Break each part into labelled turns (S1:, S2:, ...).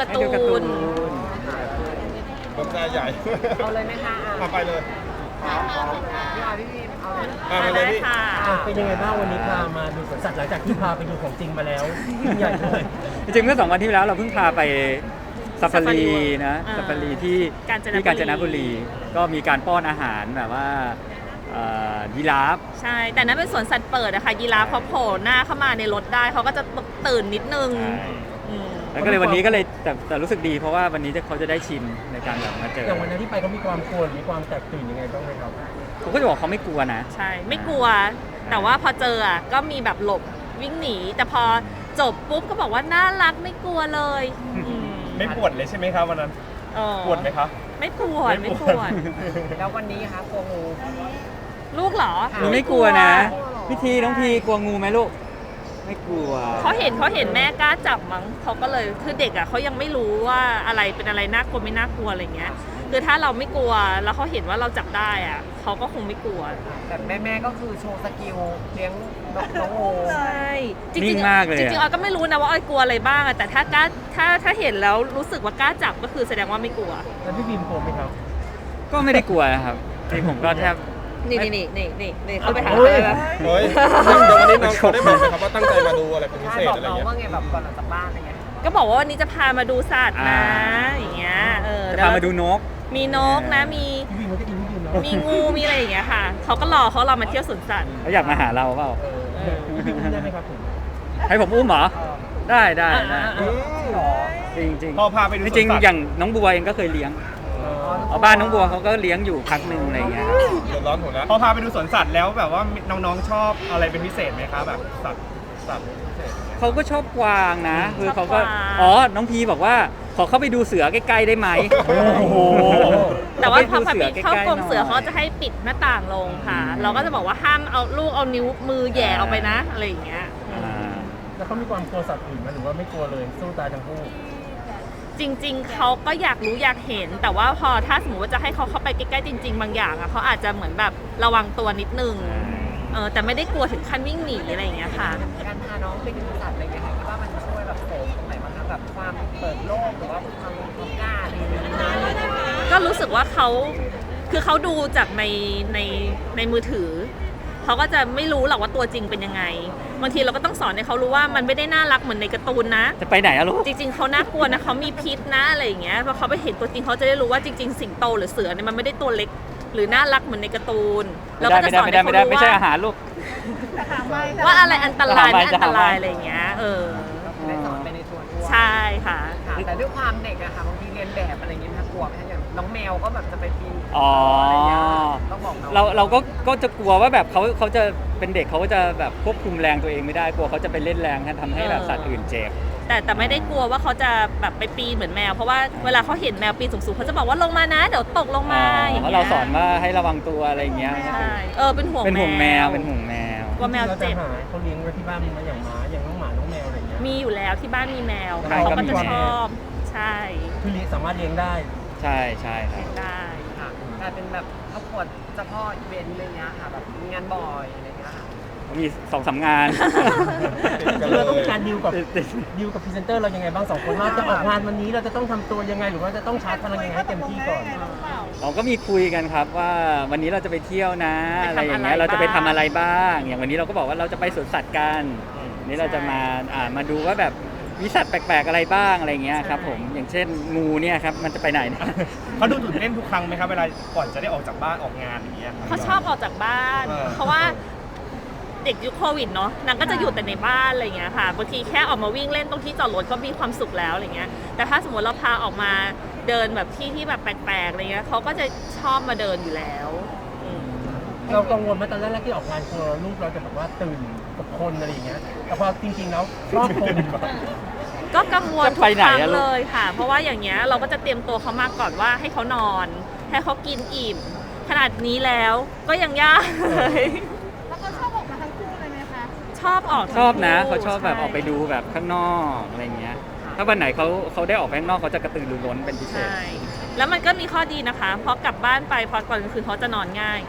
S1: การ์ตู
S2: ให้ดูการ์ตู
S1: น
S2: น
S3: ผมหน้าใหญ่
S4: เอาเลยไหมคะ
S3: มาไปเลย
S4: พี่ออยพี่พีมเอาเลย
S3: มาเลยพี่
S1: ค่ะ
S5: เป็นยังไงบ้างวันนี้พามาดูสวนสัตว์หลังจากที่พาไปดูของจริงมาแล้วยิ่งใหญ่เลย
S2: จริงๆเมื่อ2 วันที่แล้วเราเพิ่งพาไปซาฟารีนะ
S1: อ่า
S2: ซาฟารีที่
S1: กาญจนบุรี
S2: กาญจนบุรี ก็มีการป้อนอาหารแบบว่ายีราฟ
S1: ใช่ แต่นั้นเป็นสวนสัตว์เปิดอะค่ะยีราฟเขาโผล่หน้าเข้ามาในรถได้เขาก็จะตื่นนิดนึงอืม
S2: แล้วก็เลยวันนี้ก็เลยแต่รู้สึกดีเพราะว่าวันนี้เขาจะได้ชินในการแบบมาเจอ
S5: อย่างวันนั้นที่ไปเขามีความกลัวหรือมีความแตกตื่นยังไงบ้างไหมครับ
S2: เขาก็จะบอกเขาไม่กลัวนะ
S1: ใช่ ไม่กลัว แต่ว่าพอเจออะก็มีแบบหลบวิ่งหนี แต่พอจบปุ๊บก็บอกว่าน่ารักไม่กลัวเลยอืม
S3: ไม่ปวดเลยใช่ไหมครับวันนั้น
S1: เออ
S3: ปวดไหมครับ
S1: ไม่ปวด
S3: ไม่
S1: ไม่
S3: ป
S1: ป
S3: วด
S1: วด
S4: แล้ววันนี้คะกลัวงู
S1: ลูกเหรอ
S2: หนูไม่กลัวนะพี่ทีน้องพีกลัวงูไหมลูก ไม่กลัว
S1: เขาเห็นแม่กล้าจับมั้งเขาก็เลยคือเด็กอ่ะเขายังไม่รู้ว่าอะไรเป็นอะไรน่ากลัวไม่น่ากลัวอะไรเงี้ยคือถ้าเราไม่กลัวแล้วเขาเห็นว่าเราจับได้อ่ะเขาก็คงไม่กลัว
S4: แต่แม่ก็คือโชว์สกิลเลี้ยงน้องงู
S1: ใช่จ
S2: นิ่
S1: ริง
S2: งมากเลยอะ
S1: จริงๆออยก็ไม่รู้นะว่าออยกลัวอะไรบ้างอะแต่ถ้ากล้าถ้าเห็นแล้วรู้สึกว่ากล้าจับก็คือแสดงว่าไม่กลัว
S5: แล้วพี่บีมกลัวไหมครับ
S2: ก็ไม่ได้กลัวนะครับที่ผมก็แทบ
S1: นี่เขาไปหา
S5: โอ้ย
S1: เลย
S3: เฮ้ยเดี๋ยววันนี้น้องเขาได้บอกไหมครับว่าตั้งใจมาดูอะไรเป็นพิ
S4: ใช่
S3: เศษ
S4: บอก
S3: อะไร
S4: น้อง
S3: เงี้ย
S4: ว่าไงแบบก่อนออกจากบ้านอะไรเงี้ย
S1: ก็บอกว่าวันนี้จะพามาดูสัตว์นะ
S2: อ่า
S1: อย่างเงี้ย
S2: จะ
S1: เดี๋ยว
S2: พามาดูนก
S1: มีนกนะมี
S5: พี่บีมก็จะกินพี่บีมเนาะ
S1: มีงูมีอะไรอย่างเงี้ยค่ะเขาก็รอมาเที่ยวสวนสัตว์
S2: เขาอยากมาหาเราเปล่า
S5: พี่บีมได้ไหมครับผม
S2: ให้ผมอุ้มเหรอ ได้ได้
S3: อืม
S2: จริง
S3: พอพาไปดู
S2: ๆจริง
S3: สวนสัตว์
S2: ๆอย่างน้องบัวเองก็เคยเลี้ยงเอาบ้านน้องบัวเขาก็เลี้ยงอยู่พักหนึ่งอะไรเงี้ย
S3: เดือดร้อนหัวนะพอพาไปดูสวนสัตว์แล้วแบบว่าน้องๆชอบอะไรเป็นพิเศษไหมครับแบบสัตว์พิเศษอย่างเงี้ย
S2: เขาก็ชอบกวางนะคือเขาก็
S1: ชอบกวาง
S2: อ๋อน้องพีบอกว่าขอเข้าไปดูเสือใกล้ๆได้ไหม
S3: โอ้โห
S1: แต่ว่าพอ
S2: ขไปดู
S1: เข้ากรงเสือ
S2: หน่
S1: เขาจะให้ปิดหน้าต่างลงค่ะ เราก็จะบอกว่าห้ามเอาลูกเอานิ้วมือแหย่ออกไปนะอะไรอย่างเงี้ย
S2: อ่า
S5: แล้วเขามีความกลัวสัตว์อื่นไหมหรือว่าไม่กลัวเลยสู้ตายทั้งคู่
S1: จริง ๆเขาก็อยากรู้อยากเห็น แต่ว่าพอถ้าสมมติว่าจะให้เขาเข้าไปใกล้ๆจริง ๆ บางอย่างอะเขาอาจจะเหมือนแบบระวังตัวนิดนึงแต่ไม่ได้กลัวถึงขั้นวิ่งหนีอะไรอย่างเงี้ยค่ะ
S4: การพาน้องไปดูสัตว์อะไรเงี้ยคิดว่ามันช่วยแบบเสริมตรงไหนบ้างคะแบบความเปิดโลกหรือว่าความกล้าอะไรอย่างเงี้ย
S1: ก็รู้สึกว่าเขาดูจากในมือถือเขาก็จะไม่รู้หรอกว่าตัวจริงเป็นยังไงบางทีเราก็ต้องสอนให้เขารู้ว่ามันไม่ได้น่ารักเหมือนในการ์ตูนนะ
S2: จะไปไหนอะลูก
S1: จริงๆเขาน่ากลัวนะเขามีพิษนะอะไรอย่างเงี้ยพอเขาไปเห็นตัวจริงเขาจะได้รู้ว่าจริงๆสิงโตหรือเสือเนี่ยมันไม่ได้ตัวเล็ก หรือน่ารักเหมือนในการ์ตูนเราก็จะสอนให้เขารู้
S2: ไม่ใช่อาหารลูก
S1: ว่าอะไรอันตรายไม่
S2: จะ
S1: อัน
S2: หา
S1: ต
S2: ไม่
S1: รายอะไรอย่างเงี้ย
S4: ได้สอนไปในตัวด้วย
S1: ใช่ค่ะ
S4: ค่ะแต่ด้วยความเด็กอะค่ะบางทีเรียนแบบอะไรอย่างเงี้ยค่ะกลัวไหมคะอย่างน้องแมวก็แบบจะไปปีน
S2: อ๋อ
S4: อะไรเงี้ยต้องบอกน้อง
S2: เราก็จะกลัวว่าแบบเขาจะเป็นเด็กเขาก็จะแบบควบคุมแรงตัวเองไม่ได้กลัวเขาจะไปเล่นแรงทำให้แบบสัตว์อื่นเจ็บ
S1: แต่ไม่ได้กลัวว่าเขาจะแบบไปปีนเหมือนแมวเพราะว่าเวลาเขาเห็นแมวปีนสูงๆเขาจะบอกว่าลงมานะเดี๋ยวตกลงมาอย่าง
S2: เพราะ
S1: เงี้
S2: เรา
S1: ย
S2: สอนว่าให้ระวังตัวอะไรอย่างเงี้ย
S1: ใช่เป็นห่วง
S2: เป็นห่วงแมวเป็นห่วงแมว
S1: กลัวแมวเจ็บ
S5: ราจะหาเขาเลี้ยงไว้ที่บ้านมีไหมอย่างหมาอย่างน้องหมาน้องแมวอะไรอย่างเงี้ย
S1: มีอยู่แล้วที่บ้านมีแมว
S2: ใช่
S1: เขา
S2: ก็
S1: ก็
S2: มี
S1: จะ
S2: แมว
S1: ชอบใช่
S5: คือเลี้ยงสามารถเลี้ยงได้
S2: ใช่ใช่ครับ
S1: ได้
S4: ค่ะกลายเป็นแบบครอบครัวเจ้าพ่ออีเวนต์อะไรเงี้ยค่ะแบบมีงานบ่อยอะไรเงี้ยค่ะ
S2: มี2-3 งาน
S5: คือเราต้องมีการดีลกับพรีเซนเตอร์เรายังไงบ้างสองคนว่าจะออกงานวันนี้เราจะต้องทำตัวยังไงหรือว่าจะต้องชาร์จพลังยังไงให้เต็มที่ก่อน
S2: เราก็มีคุยกันครับว่าวันนี้เราจะไปเที่ยวนะ
S1: ไป
S2: อะไร
S1: ทำ
S2: อย่างเงี้ย
S1: อะไร
S2: เราจะไปทำ
S1: บ้าง
S2: อะไรบ้าง อย่างวันนี้เราก็บอกว่าเราจะไปสวนสัตว์กันวันนี้เราจะมาดูว่าแบบมีสัตว์แปลกๆอะไรบ้างอะไรเงี้ยครับผมอย่างเช่นงูเนี่ยครับมันจะไปไหนเนี่ย
S3: เขาดูตื่นเต้นทุกครั้งไหมครับเวลาก่อนจะได้ออกจากบ้านออกงานอย่างเงี้ย
S1: เขาชอบออกจากบ้าน
S3: เออ
S1: เพราะว่าเด็กยุคโควิดเนาะนางก็จะอยู่แต่ในบ้านอะไรอย่างเงี้ยค่ะบางทีแค่ออกมาวิ่งเล่นตรงที่จอดรถก็มีความสุขแล้วอะไรเงี้ยแต่ถ้าสมมติเราพาออกมาเดินแบบที่แบบแปลกๆอะไรเงี้ยเขาก็จะชอบมาเดินอยู่แล้วอืม
S5: เรากังวลไหมาตอนแรกๆที่ออกงานกลัวลูกเราจะแบบว่าตื่นกับคนอะไรอย่างเงี้ยแต่พอจริงๆแล้วชอบคน
S1: ก็กังวลทุ
S2: จะไป
S1: ก
S2: ไหน
S1: ครั้ง
S2: อะลูก
S1: เลยค่ะ เพราะว่าอย่างเงี้ยเราก็จะเตรียมตัวเขามาก่อนว่าให้เขานอน ให้เขากินอิ่ม ขนาดนี้แล้วก็ยังยากเลย
S6: แล้วก็ชอบออกมาทั้งคู่เลยไหมคะ
S1: ชอบออก
S2: ชอบนะ
S1: ทั้งคู่
S2: เขาชอบแบบ
S1: ใ
S2: ออกไปดูแบบข้างนอกอะไรเงี้ยถ้าวันไหนเขาได้ออกไปข้างนอกเขาจะกระตือรือร้นเป็นพิเศษ
S1: ใช่แล้วมันก็มีข้อดีนะคะเพราะกลับบ้านไปพอก่อนกลางคืนเขาจะนอนง่าย
S2: อืม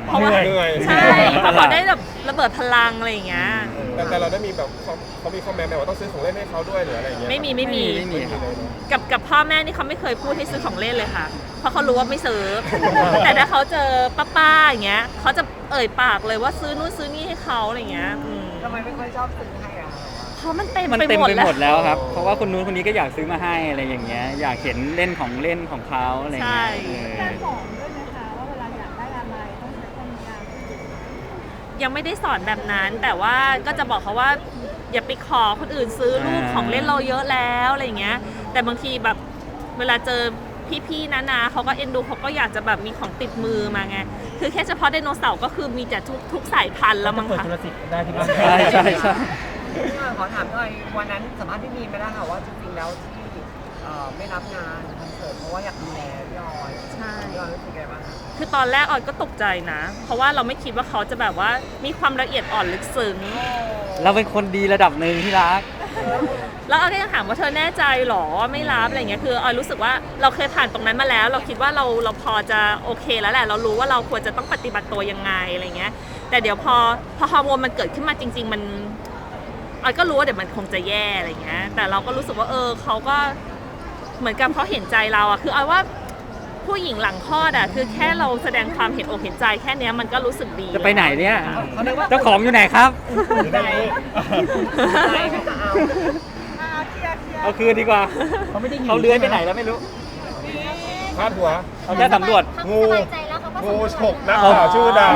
S1: เพราะว่า
S3: เหนื่อย
S1: ใช่เพราะเขาได้แบบระเบิดพลังอะไรอย่างเงี้ย
S3: แต่เราได้มีแบบเขามีคอมเมนต์แบบว่าต้องซื้อของเล่นให้เขาด้วยหรืออะไรอย่างเงี้ย
S1: ไม่มี
S2: ไม่มีครับ
S1: กับพ่อแม่นี่เขาไม่เคยพูดให้ซื้อของเล่นเลยค่ะ เพราะเขารู้ว่าไม่ซื้อ แต่ถ้าเขาเจอป้าๆอย่างเงี้ยเขาจะเอ่ยปากเลยว่าซื้อนู่นซื้อนี่ให้เขาอะไรอย่างเงี้ย
S4: ทำไมไม่ค่อยชอบซื้อให้อะคะ
S1: เพราะมันเต็ม
S2: มัน
S1: ไป
S2: เต็ม
S1: หมด
S2: ไป
S1: แล้ว
S2: หมดแล้วครับ เพราะว่าคนนู้นคนนี้ก็อยากซื้อมาให้อะไรอย่างเงี้ย อยากเห็นเล่นของเล่นของเขาอะไรอย่างเงี้ย
S1: ใช่
S6: การสอนด้วยไหมคะว่าเวลาอยากได้อะไรต้องใช้ความยาว
S1: ยังไม่ได้สอนแบบนั้น แต่ว่าก็จะบอกเขาว่าอย่าไปขอคนอื่นซื้อลูกของเล่นเราเยอะแล้วอะไรอย่างเงี้ย แต่บางทีแบบเวลาเจอพี่ๆนะเขาก็เอ็นดูเขาก็อยากจะแบบมีของติดมือมาไง คือแค่เฉพาะไดโนเสาร์ก็คือมีแต่ทุกสายพันธุ์แล้วมั้ง
S5: เปิด
S1: คะ
S5: ธุรกิจได้ที่บ้าน
S2: ใช่ใช่ใช่
S4: พี่ออยขอถามหน่อยวันนั้นสัมภาษณ์พี่มีนไปแล้วค่ะว่าจริงๆแล้วที่ไม่รับงานคอนเสิร์ตเพราะว่าอยากดูแลพี่ออย
S1: ใช่
S4: พี่ออยรู้สึกไงบ้างคะ
S1: คือตอนแรกออยก็ตกใจนะ เพราะว่าเราไม่คิดว่าเขาจะแบบว่ามีความละเอียดอ่อนลึกซึ้ง
S2: เราเป็นคนดีระดับหนึ่งที่รัก
S1: แล้วออยก็ยังถามว่าเธอแน่ใจหรอว่าไม่รับอะไรเงี้ย คือออยรู้สึกว่าเราเคยผ่านตรงนั้นมาแล้ว เราคิดว่าเราพอจะโอเคแล้วแหละ เรารู้ว่าเราควรจะต้องปฏิบัติตัวยังไงอะไรเงี้ย แต่เดี๋ยวพอฮอร์โมนมันเกิดขึ้นมาจริง ๆ มันออยก็รู้ว่าเดี๋ยวมันคงจะแย่อะไรเงี้ย แต่เราก็รู้สึกว่าเขาก็เหมือนกับเขาเห็นใจเราอะคือออยว่าผู้หญิงหลังคลอดอะคือแค่เราแสดงความเห็นอกเห็นใจแค่เนี้ยมันก็รู้สึกดี
S2: จะไปไหนเนี่ย
S4: เขาเรียกว่า
S2: เจ้าของอยู่ไหนครับ
S4: ใจใจไหมคะเอา
S6: เคลียร์
S2: เอาคืนดีกว่า
S5: เขาไม่ได้อยู่
S2: เขาเลื้อยไปไหนแล้วไม่รู้
S3: พาดหัว
S2: เอาแค่สำรวจ
S3: งู
S6: สบายใจแล้วเขาก็
S3: งูฉกนักข่าวชื่อดัง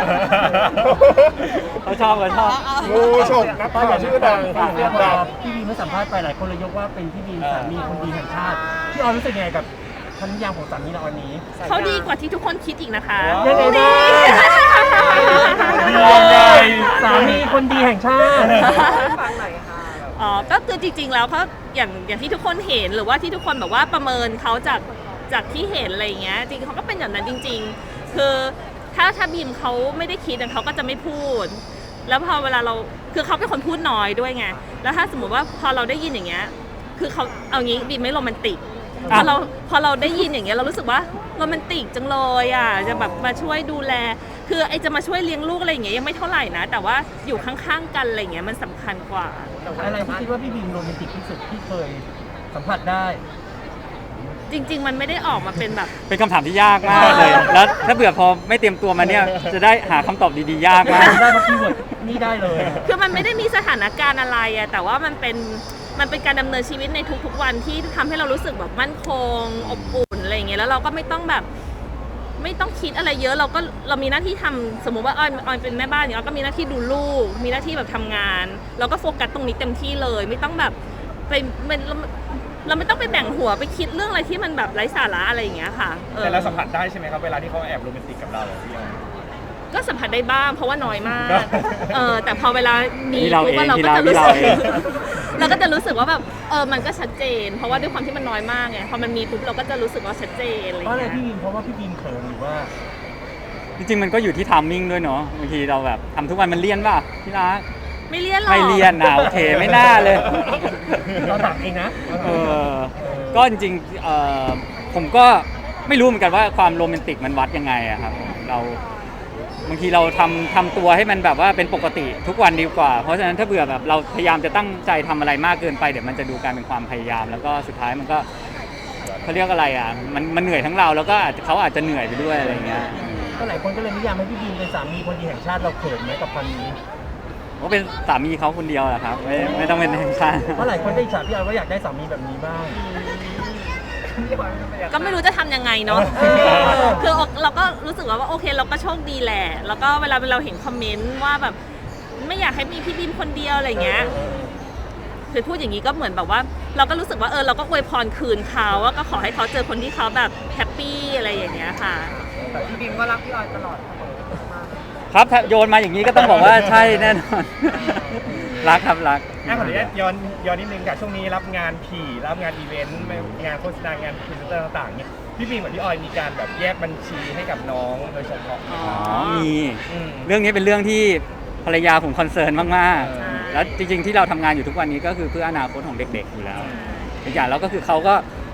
S2: เขาชอบเขาชอบ
S3: งูฉกนักข่าวชื่อดัง
S5: เรื่อง
S3: ดัง
S5: พี่บีมเมื่อสัมภาษณ์ไปหลายคนเลยยกว่าเป็นพี่บีมสามีคนดีแห่งชาติพี่ออยรู้สึกยังไงกับคำนิยามของสามีเราวันนี้
S1: เขาดีกว่าที่ทุกคนคิดอีกนะคะ
S5: ยังไงบ้าง
S3: ยังไง
S5: สามีคนดีแห่งชาติ
S4: ฟังหน่อยค่ะแบบ
S1: อ๋อ ก็คือจริงๆ แล้วเขาอย่างที่ทุกคนเห็นหรือว่าที่ทุกคนแบบว่าประเมินเขาจากที่เห็นอะไรอย่างเงี้ย จริงๆเขาก็เป็นอย่างนั้นจริง ๆ คือถ้าบีมเขาไม่ได้คิดเขาก็จะไม่พูด แล้วพอเวลาเราคือเขาเป็นคนพูดน้อยด้วยไง แล้วถ้าสมมติว่าพอเราได้ยินอย่างเงี้ย คือเขาเอางี้บีมไม่โรแมนติก พอเราได้ยินอย่างเงี้ยเรารู้สึกว่าโรแมนติกจังเลยอ่ะจะแบบมาช่วยดูแล คือไอจะมาช่วยเลี้ยงลูกอะไรอย่างเงี้ยยังไม่เท่าไหร่นะ แต่ว่าอยู่ข้างๆกันอะไรอย่างเงี้ยมันสำคัญกว่า
S5: อะไรที่คิดว่าพี่บีมโรแมนติกที่สุดที่เคยสัมผัสได้
S1: จริง ๆ มันไม่ได้ออกมาเป็นแบบ
S2: เป็นคำถามที่ยากมากเลย แล้วถ้าเบื่อพอไม่เตรียมตัวมาเนี่ย จะได้หาคำตอบดีๆ ยากมาก
S5: ได้มาคีย์เวิร์ดนี่ได้เลย
S1: คือมันไม่ได้มีสถานการณ์อะไรอะแต่ว่ามันเป็นการดำเนินชีวิตในทุกๆวันที่ทำให้เรารู้สึกแบบมั่นคงอบอุ่นอะไรอย่างเงี้ยแล้วเราก็ไม่ต้องแบบไม่ต้องคิดอะไรเยอะเรามีหน้าที่ทำสมมุติว่าออยเป็นแม่บ้านอย่างเงี้ยเราก็มีหน้าที่ดูลูก มีหน้าที่แบบทำงาน เราก็โฟกัสตรงนี้เต็มที่เลย ไม่ต้องแบบไปเราไม่ต้องไปแบ่งหัวไปคิดเรื่องอะไรที่มันแบบไร้สาระอะไรอย่างเงี้ยค่ะ
S3: แต่เราสัมผัสได้ใช่ไหมครับเวลาที่เขาแอบโรแมนติกกับเราพี่ออย
S1: ก็สัมผัสได้บ้างเพราะว่าน้อยมาก แต่พอเวลามี
S2: นี่เรา
S1: ปุ๊บ
S2: เอง
S1: เราก็จะ
S2: นี่
S1: รู้
S2: เรา
S1: สึก
S2: เอง
S1: เราก็จะรู้สึกว่าแบบมันก็ชัดเจน เพราะว่าด้วยความที่มันน้อยมากไงพอมันมีปุ๊บเราก็จะรู้สึกว่าชัดเจนอะไร
S5: เพราะอะไร
S1: เงี้ย
S5: พี่บีมเพราะว่าพี่บีมเขินหรือว่า
S2: จริงๆ มันก็อยู่ที่ไทามมิ่งด้วยเนาะ บางทีเราแบบทำทุกวันมันเลี่ยนป่ะพี่รัก
S1: ไม่เลี่ยนหรอก
S2: ไม่เลี่ยนนะโอเค ไม่น่าเลย
S5: เราตักเองนะ
S2: ก็จริงๆผมก็ไม่รู้เหมือนกันว่าความโรแมนติกมันวัดยังไงอะครับเราบางทีเราทำตัวให้มันแบบว่าเป็นปกติทุกวันดีกว่า เพราะฉะนั้นถ้าเบื่อแบบเราพยายามจะตั้งใจทำอะไรมากเกินไปเดี๋ยวมันจะดูการเป็นความพยายาม แล้วก็สุดท้ายมันก็เขาเรียกอะไรอ่ะมันเหนื่อยทั้งเราแล้วก็เขาอาจจะเหนื่อยไปด้วยอะไรอย่างเงี้ย
S5: ก็หลายคนก็เลยนิยามให้พี่บีมเป็นสามีคนดีแห่งชาติเราเขินไหมกับคำนี้
S2: ก็เป็นสามีเขาคนเดียวแหละครับไม่ต้องเป็นแห่งชาติ
S5: เพราะหลายคนได้อิจฉาพี่ออยว่าอยากได้สามีแบบนี้บ้าง
S4: พี่ออยเป็นยังไง
S1: ก็ไม่รู้จะทำยังไงเนาะ คือเราก็รู้สึกว่าโอเคเราก็โชคดีแหละ แล้วก็เวลาเราเห็นคอมเมนต์ว่าแบบไม่อยากให้มีพี่บีมคนเดียวอะไรเงี้ย คือพูดอย่างนี้ก็เหมือนแบบว่า เราก็รู้สึกว่าเราก็อวยพรคืนเขาว่าก็ขอให้เขาเจอคนที่เขาแบบแฮปปี้อะไรอย่างเงี้ยค่ะ
S4: แต่พี่บีมก็รักพี่ออยตลอดเสมอมาก
S2: ครับถ้าโยนมาอย่างนี้ก็ต้องบอกว่าใช่แน่นอน รักครับรัก
S3: ขออนุญาตย้อนนิดนึงค่ะช่วงนี้รับงานผีรับงานอีเวนต์งานโฆษณางานพรีเซนเตอร์ต่างๆเนี่ยพี่บีมกับพี่ออยมีการแบบแยกบัญชีให้กับน้องโดยเฉพาะ
S1: อ๋อ
S2: มี
S3: อืม
S2: เรื่องนี้เป็นเรื่องที่ภรรยาผมคอนเซิร์นมาก
S3: ใช่
S2: ๆ แล้วจริงๆที่เราทำงานอยู่ทุกวันนี้ก็คือเพื่ออนาคตของเด็กๆอยู่แล้วอีกอย่างแล้วก็คือเขาก็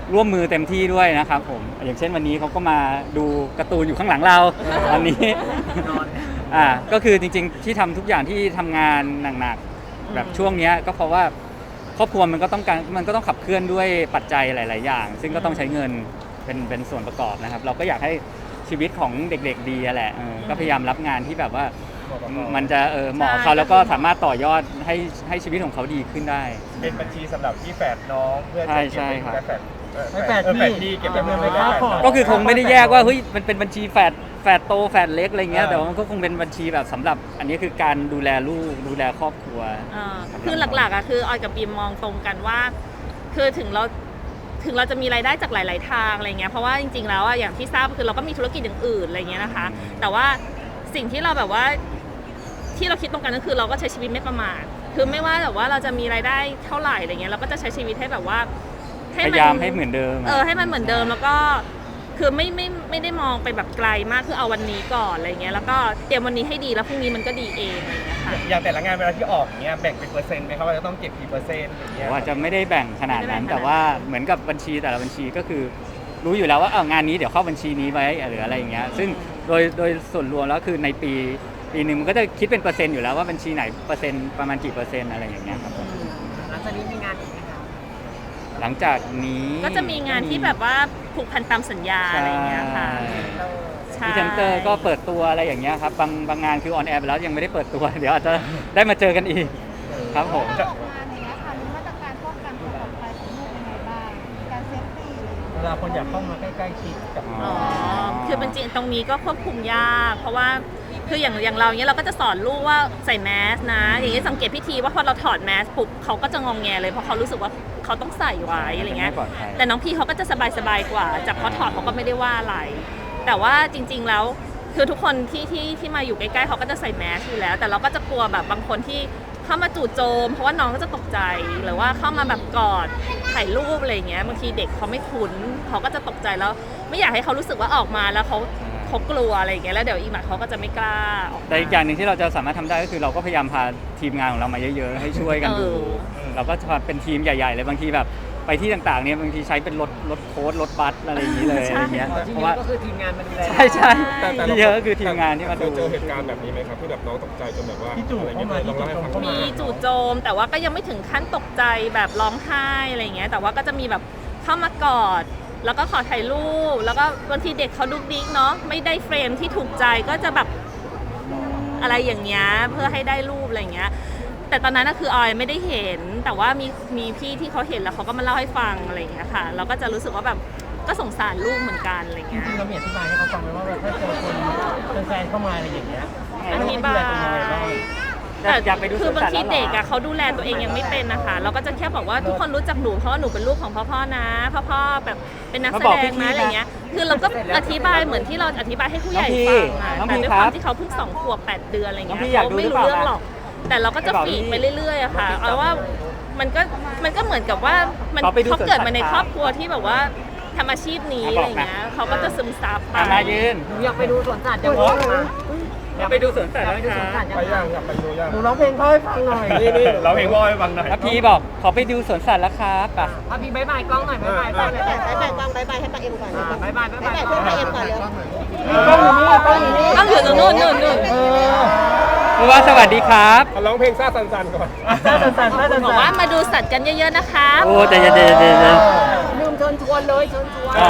S2: ร่วมมือเต็มที่ด้วยนะครับผมอย่างเช่นวันนี้เขาก็มาดูการ์ตูนอยู่ข้างหลังเราวันนี้ ก็คือจริงๆที่ทำทุกอย่างที่ทำงานหนักๆแบบช่วงเนี้ยก็เพราะว่าครอบครัวมันก็ต้องขับเคลื่อนด้วยปัจจัยหลายๆอย่าง ซึ่งก็ต้องใช้เงินเป็นส่วนประกอบนะครับเราก็อยากให้ชีวิตของเด็กๆดีอะแหละก็พยายามรับงานที่แบบว่ามันจะเหมาะกับเขาแล้วก็สามารถต่อยอดให้ชีวิตของเขาดีขึ้นได้
S3: เป็นบัญชีสำหรับที่แฝดน้องเพื่อจะเก็บ
S2: ใช่
S3: เป็น
S2: ครับ
S3: แฝด
S5: แฝดพี่
S3: เก็บเป็น
S5: เก็บเงิน
S3: แฝ
S5: ไว้
S3: ด
S5: ก่อน
S2: ก็คือคงไม่ได้แยกว่าเฮ้ยมันเป็นบัญชีแฝดโตแฝดเล็กอะไรเงี้ยแต่ว่ามันก็คงเป็นบัญชีแบบสำหรับอันนี้คือการดูแลลูกดูแลครอบครัว
S1: คือหลักๆคือออยกับบีมมองตรงกันว่า คือถึงเราจะมีรายได้จากหลาย ๆ ทางอะไรเงี้ยเพราะว่าจริงๆแล้วอย่างที่ทราบคือเราก็มีธุรกิจอย่างอื่นอะไรเงี้ยนะคะ แต่ว่าสิ่งที่เราแบบว่าที่เราคิดตรงกันก็คือเราก็ใช้ชีวิตไม่ประมาทคือไม่ว่าแบบว่าเราจะมีรายได้เท่าไหร่อะไรเงี้ยเราก็จะใช้ชีวิตให้แบบว่า
S2: พยายามให้เหมือนเดิม
S1: ให้มันเหมือนเดิมแล้วก็คือไม่ได้มองไปแบบไกลมากคือเอาวันนี้ก่อนอะไรเงี้ยแล้วก็เตรียมวันนี้ให้ดีแล้วพรุ่งนี้มันก็ดีเองอะไรเงี้ยค่ะ
S3: อย่างแต่ละงานเวลาที่ออกเนี้ยแบ่งเป็นเปอร์เซ็นต์ไหมครับว่าจะต้องเก็บกี่เปอร์เซ็นต์อย่างเงี้ย
S2: ว่าจะไม่ได้แบ่งขนาดนั้น แต่ว่าเหมือนกับบัญชีแต่ละบัญชีก็คือรู้อยู่แล้วว่างานนี้เดี๋ยวเข้าบัญชีนี้ไว้หรืออะไรอย่างเงี้ยซึ่งโดยส่วนรวมแล้วคือในปีหนึ่งมันก็จะคิดเป็นเปอร์เซ็นต์อยู่แล้วว่าบัญชีไหนเปอร์เซ็นต์ประมาณกี่เปอร์เซ็นต์อะไรอย่างเงี้ยครับผม
S4: หลังจากนี้มีงานอีกไหมคะ
S2: หลังจากนี้
S1: ก็จะมีงานที่แบบว่าผูกพันตามสัญญาอะไรเงี้ยค่ะ
S2: พรีเซนเตอร์ก็เปิดตัวอะไรอย่างเงี้ยครับบางงานคือออนแอร์ไปแล้วยังไม่ได้เปิดตัว เดี๋ยวอาจจะได้มาเจอกันอีกครับผม
S6: ออกงานอย่างเงี้ยค่ะมีมาตรการป้องกันความปลอดภัยของลูกยังไงบ้างการเซฟตี้อะไรอย่างเงี้ย
S5: เวลาคนอยากเข้ามาใกล้ๆชิดกับ
S1: อ๋อ คือเป็นจริงตรงนี้ก็ควบคุมยาก เพราะว่าคืออย่างเราเนี้ยเราก็จะสอนลูกว่าใส่แมสนะ อย่างนี้สังเกตพิธีว่าพอเราถอดแมสปุ๊บเขาก็จะงองแงเลยเพราะเขารู้สึกว่าเขาต้องใส่ไว้อะไรเงี้ย
S2: ไม่ปลอดภัย
S1: แต่น้องพี่เขาก็จะสบายกว่า จากพอถอดเขาก็ไม่ได้ว่าอะไร แต่ว่าจริง ๆแล้วคือทุกคนที่มาอยู่ใกล้ๆเขาก็จะใส่แมสอยู่แล้ว แต่เราก็จะกลัวแบบบางคนที่เข้ามาจู่โจม เพราะว่าน้องก็จะตกใจหรือว่าเข้ามาแบบกอดถ่ายรูปอะไรอย่างเงี้ยบางทีเด็กเขาไม่คุ้นเขาก็จะตกใจแล้ว ไม่อยากให้เขารู้สึกว่าออกมาแล้วเขากลัวอะไรอย่างเงี้ยแล้วเดี๋ยวอีกหน่อยเขาก็จะไม่กล้าออกมา
S2: แต่อีกอย่างหนึ่งที่เราจะสามารถทำได้ก็คือเราก็พยายามพาทีมงานของเรามาเยอะๆให้ช่วยกันดู เราก็จะเป็นทีมใหญ่ๆเลยบางทีแบบไปที่ต่างๆเนี่ยบางทีใช้เป็นรถโค้ดรถบัสอะไรอย่างนี้เลยอะไรเงี้ย
S4: ที่
S2: เพราะ
S4: นี่
S2: ว่า
S4: ก็คือทีมงานมาดูแล
S2: ใช่ที่เยอะก็คือทีมงานที่มา
S7: เค
S2: ดู
S7: ยเจอเหตุการณ์แบบนี้ไหมครับที่แบบน้องตกใจจนแบบว่า
S5: ที่จู่
S7: อะไร
S5: เข้า
S7: เงี้ย
S5: มา
S7: ลอง
S5: ที่
S7: เล่าให้
S5: จู่
S7: ฟัง
S5: เข้ามา
S1: มีจู่โจมแต่ว่าก็ยังไม่ถึงขั้นตกใจแบบร้องไห้อะไรอย่างเงี้ยแต่ว่าก็จะมีแบบเข้ามากอดแล้วก็ขอถ่ายรูปแล้วก็บางทีเด็กเขาดุกดิ๊กเนาะไม่ได้เฟรมที่ถูกใจก็จะแบบอะไรอย่างเงี้ยเพื่อให้ได้รูปอะไรอย่างเงี้ยแต่ตอนนั้นก็คือออยไม่ได้เห็นแต่ว่ามีพี่ที่เขาเห็นแล้วเขาก็มาเล่าให้ฟังอะไรอย่างเงี้ยค่ะเราก็จะรู้สึกว่าแบบก็สงสารลูกเหมือนกันอะไร
S5: จ
S1: เงี้ย
S5: ริงๆเรามีอธิบายให้เขาฟังไหมว่าแบบถ้าเจอคนแฟนเข้ามาอะไรอย่างเงี้ย
S1: อธิบาย แต่
S2: อยากไปดู
S1: คือบางที
S2: สวนสัตว์แล้วเหรอ
S1: เด็กอะเขาดูแลตัวเองยังไม่เป็นนะคะเราก็จะแค่บอกว่าทุกคนรู้จักหนูเพราะว่าหนูเป็นลูกของพ่อนะพ่อแบบเป็นนักแสดงนะอะไรเงี้ยคือเราก็อธิบายเหมือนที่เราอธิบายให้ผู้ใหญ่ฟังอะ
S2: น้อง
S1: แต่
S2: พี่
S1: ด้วย
S2: ค
S1: ค
S2: รั
S1: วา
S2: บ
S1: มที่เขาเพิ่ง2 ขวบ 8 เดือนอะไรเงี้ย
S2: น้องพี่อยาก
S1: เขา
S2: ดู
S1: ไม่
S2: หรือ
S1: รู้
S2: เปล่า
S1: เรื่องหรอก แต่เราก็จะฝีกไปเรื่อยๆอะค่ะเอาว่ามันก็เหมือนกับว่าเขาเกิดมาในครอบครัวที่แบบว่าทำอาชีพนี้อะไรเงี้ยเขาก็จะซึมซับไป
S2: มายืน
S4: หนูอยากไปดูสวนสัตว์อย่างนี้มา
S2: ไปดูสวนสัตว์
S4: อยากไปดูสวนสัตว์
S7: ไปย่างอยากไปดูย่าง
S5: หนูร้องเพลงเขาให้ฟังหน่อย
S3: นี่เราเพลงว่าให้ฟังหน่อย
S2: แล้วพี่บอกขอไปดูสวนสัตว์แล้วครับป่ะ
S4: พาพี่บายบายกล้องหน่อยบายบายกล้องหน่อย
S6: บายกล้องบายบายให้ป้าเอ็มก่อน
S4: บายบายบายบาย
S6: เพื่อนป้าเอ็มก่อนเร็ว
S1: ต้องอยู่ตรงนู้นนู่น
S2: ผู้ว่าสวัสดีครับ
S7: เอาร้องเพลงซ่าสันๆก่อน
S1: บอกว่ามาดูสัตว์กันเยอะๆนะคะ
S2: โอ้แต่เย็น
S4: ลืมเชิญชวนเลยเชิญชวน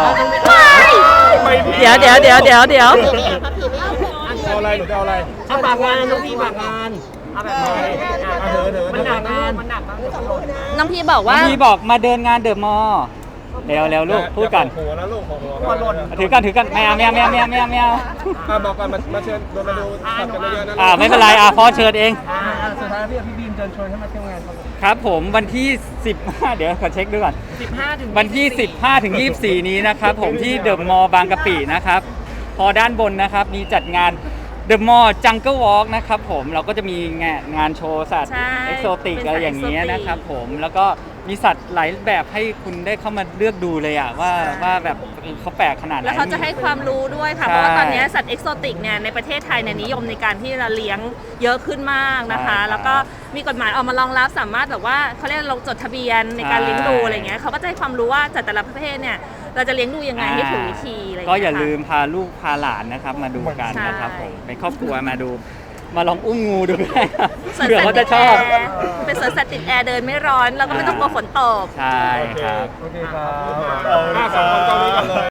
S1: เดี๋ยว
S6: พี่ไม่เอาครับพี่ไม่เอา
S7: เอาอะไรหนูจะเอาอะไร
S5: เอาฝากงานน้องพี่ฝากงาน
S4: เอาแบบนี้มันหนักนะมันหนักนะ
S1: น้องพี่บอกว่า
S2: พี่บอกมาเดินงานเดอะมอลล์เร็วลูกพูดกัน
S7: หัวนะลูกของหัว
S4: หัวหล่น
S2: ถือกันไม่เอา
S7: บอกกันมาเชิญมาดูสัตว์กันเยอะๆนะ
S2: ไม่เป็นไรพ่อเชิญเอง
S5: สุดท้ายพี่บีมเชิญชวนให้มาเที่ยวงานครับ
S2: ครับผมวันที่ 15 เดี๋ยวขอเช็คดูก่อน
S4: 15ถึง
S2: วันที่ 15 ถึง 24 นี้นะครับผมที่เดอะมอลล์บางกะปินะครับพอด้านบนนะครับมีจัดงาน The Mall Jungle Walk นะครับผมเราก็จะมีงานโชว์สัตว์
S1: ใช่
S2: เอ็กโซติก
S1: เป็นสัตว์
S2: อะไรอย่างเงี้ย
S1: exotic
S2: นะครับผมแล้วก็มีสัตว์หลายแบบให้คุณได้เข้ามาเลือกดูเลยอะว่าแบบเขาแปลกขนาดไหน
S1: แล้วเขาจะให้ความรู้ด้วยค่ะ
S2: ใช่
S1: เพราะว่าตอนนี้สัตว์เอกโซติกเนี่ยในประเทศไทยเนี่ยนิยมในการที่จะเลี้ยงเยอะขึ้นมากนะคะ
S2: ใช่ครับ
S1: แล้วก็มีกฎหมายออกมารองรับสามารถแบบว่าเขาเรียกลงจดทะเบียนในการเลี้ยงดูอะไรเงี้ยเขาก็จะให้ความรู้ว่าสัตว์แต่ละประเภทเนี่ยเราจะเลี้ยงดูยังไงให้ถูกวิธีอะไรเงี้ย
S2: ก็อย่า
S1: ค่ะ
S2: ลืมพาลูกพาหลานนะครับมาดูกัน
S1: ใช่
S2: นะครับผมเป็นครอบครัวมาดู มาลองอุ้มงูดูก็ได้ครับ
S1: สวน
S2: เผื่อ
S1: สัต
S2: เขา
S1: ว์ติ
S2: จะ
S1: ด
S2: ช
S1: แอ
S2: อบ
S1: ร์เป็นสวนสัตว์ติดแอร์เดินไม่ร้อนแล้วก็ไม่ต้องกลัวฝนตก
S2: ใช่ครับ
S3: โอเคครับ
S7: สองคนเกาหลีกันเลย